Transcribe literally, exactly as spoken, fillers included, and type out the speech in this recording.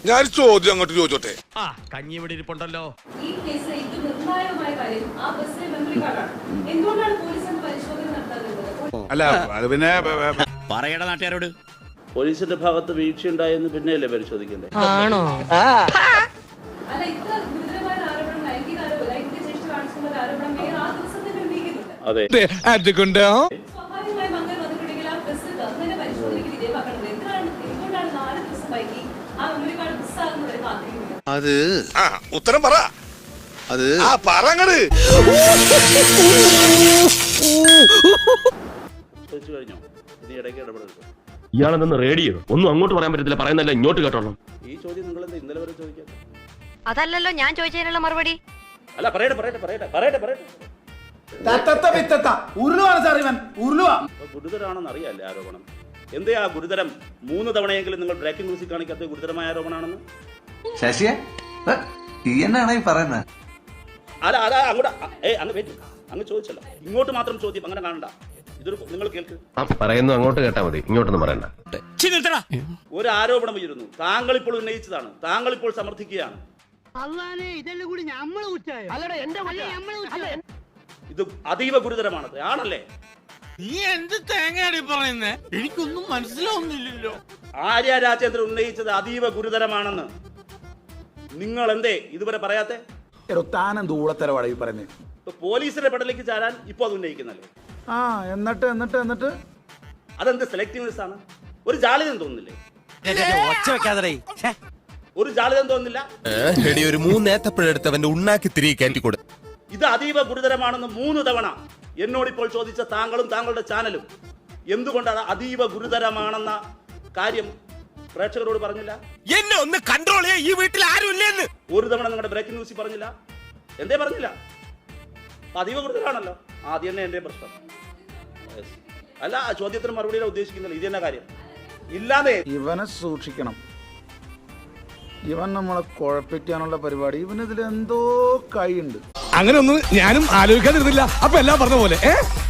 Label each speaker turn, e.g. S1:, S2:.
S1: ഞാൻ ചോദ്യം അങ്ങോട്ട് ചോദിച്ചോട്ടെ.
S2: ആ കഞ്ഞി ഇവിടെ ഇരിപ്പുണ്ടല്ലോ.
S3: ഈ കേസിൽ ഏറ്റവും നിർണായകമായ കാര്യം ആ ബസ്സിലെ മെമ്മറി കാർഡാണ്. എന്തുകൊണ്ടാണ് പോലീസ് അന്ന് പരിശോധന നടത്താതിരുന്നത്?
S1: അല്ല അത് പിന്നെ
S2: പറയട നാട്ടുകാരോട്.
S4: പോലീസിന്റെ ഭാഗത്ത് വീഴ്ചയുണ്ടായെന്ന് പിന്നെയല്ലേ പരിശോധിക്കണ്ടേ?
S5: ആണോ?
S3: അല്ല, ഇത്ര ഗുരുതരമായ ആരോപണം ലൈംഗിക ആരോപണം ലൈംഗിക ചേഷ്ട കാണിച്ചുള്ള ആരോപണം മേയർ ആ ദിവസം തന്നെ ഉന്നയിക്കുന്നുണ്ട്.
S4: അതെ,
S3: സ്വാഭാവികമായി മംഗൾ വന്നിട്ടുണ്ടെങ്കിൽ ആ ബസ് തന്നെ പരിശോധനയ്ക്ക് വിധേയമാക്കണത് എന്തിനാണ്? എന്തുകൊണ്ടാണ് നാല് ദിവസം വൈകി ആ മെമ്മറി കാർഡ് മിസ്സാകുന്നവരെ കാത്തിരിക്കുന്നത്?
S1: അത് ആ ഉത്തരം പറ. അത് ആ പറങ്ങട്
S4: ചോദിച്ചു കഴിഞ്ഞോ? ഇനി ഇടയ്ക്ക് ഇടപെടരുത്.
S6: ഇയാളെന്ന് റേഡിയോ ഒന്നും അങ്ങോട്ട് പറയാൻ പറ്റത്തില്ല, പറയുന്നല്ല ഇങ്ങോട്ട് കേട്ടോളാം.
S4: ഈ ചോദ്യം നിങ്ങൾ എന്താ ഇന്നലെ വരെ ചോദിക്കാൻ?
S5: അതല്ലല്ലോ ഞാൻ ചോദിച്ചതിനുള്ള മറുപടി.
S4: അല്ല, പറയട്ടെ പറയട്ടെ പറയട്ടെ പറയട്ടെ പറയട്ടെ ഗുരുതരാണെന്ന് അറിയാല്ലേ ആരോപണം? എന്തേ ആ ഗുരുതരം? മൂന്ന് തവണയെങ്കിലും നിങ്ങൾ ബ്രേക്കിംഗ് ന്യൂസിൽ കാണിക്കാത്ത ഗുരുതരമായ ആരോപണമാണെന്ന്.
S7: ശശിയെ എന്നാണ് ഈ പറയുന്നത്?
S4: അല്ല അതാ അങ്ങോട്ട് ഏ അങ്ങ് വെയിറ്റ് അങ്ങ് ചോദിച്ചല്ലോ, ഇങ്ങോട്ട് മാത്രം ചോദ്യം അങ്ങനെ കാണണ്ട. ഇതൊരു നിങ്ങൾ കേൾക്ക്.
S6: പറയുന്നു അങ്ങോട്ട് കേട്ടാ മതി, ഇങ്ങോട്ടൊന്നും പറയണ്ട.
S4: ഒരു ആരോപണം ഉയരുന്നു, താങ്കൾ ഇപ്പോൾ ഉന്നയിച്ചതാണ്, താങ്കൾ ഇപ്പോൾ സമർത്ഥിക്കുകയാണ്. ഇത് അതീവ ഗുരുതരമാണ്, ആണല്ലേ?
S2: നീ എന്ത് തേങ്ങയാടി പറയുന്നേ? എനിക്കൊന്നും മനസ്സിലാവുന്നില്ലല്ലോ.
S4: ആര്യ രാജേന്ദ്രൻ ഉന്നയിച്ചത് അതീവ ഗുരുതരമാണെന്ന് നിങ്ങൾ എന്തേ ഇതുവരെ പറയാത്തെ? പോലീസിന്റെ പെടലേക്ക് ചാരാൻ ഇപ്പൊ അത് ഉന്നയിക്കുന്നല്ലേ?
S8: ആ എന്നിട്ട് എന്നിട്ട് എന്നിട്ട്
S4: അതെന്ത് സെലക്ടീവ്നെസ് ആണ്? ഒരു ജാളിതം തോന്നുന്നില്ലേ? ഒരു ജാളിതം തോന്നുന്നില്ല?
S9: ഒരു മൂന്നേത്തപ്പഴെടുത്തവന്റെ ഉണ്ണാക്കി തിരികെ കയറ്റിക്കൊടു.
S4: ഇത് അതീവ ഗുരുതരമാണെന്ന് മൂന്ന് തവണ എന്നോടിപ്പോൾ ചോദിച്ച താങ്കളും താങ്കളുടെ ചാനലും എന്തുകൊണ്ടാണ് അതീവ ഗുരുതരമാണെന്ന കാര്യം പ്രേക്ഷകരോട് പറഞ്ഞില്ല?
S9: എന്നെ ഒന്ന് കൺട്രോൾ ചെയ്യാൻ ഈ വീട്ടിൽ ആരും ഇല്ലെന്ന്
S4: ഒരു തവണ നിങ്ങളുടെ ബ്രേക്കിംഗ് ന്യൂസിൽ പറഞ്ഞില്ല? എന്തേ പറഞ്ഞില്ല? അതീവ ഗുരുതരാണല്ലോ. ആദ്യം തന്നെ എന്റെ പ്രശ്നം അല്ല, ആ ചോദ്യത്തിന് മറുപടിയിലാണ് ഉദ്ദേശിക്കുന്നില്ല. ഇത് തന്നെ കാര്യം ഇല്ലാതെ
S8: ഇവനെ സൂക്ഷിക്കണം. ഇവൻ നമ്മളെ കുഴപ്പിക്കാനുള്ള പരിപാടി, ഇവനിതിൽ എന്തോ കൈയുണ്ട്.
S1: അങ്ങനെ ഒന്നും ഞാനും ആലോചിക്കാതിരുന്നില്ല. അപ്പൊ എല്ലാം പറഞ്ഞ പോലെ ഏ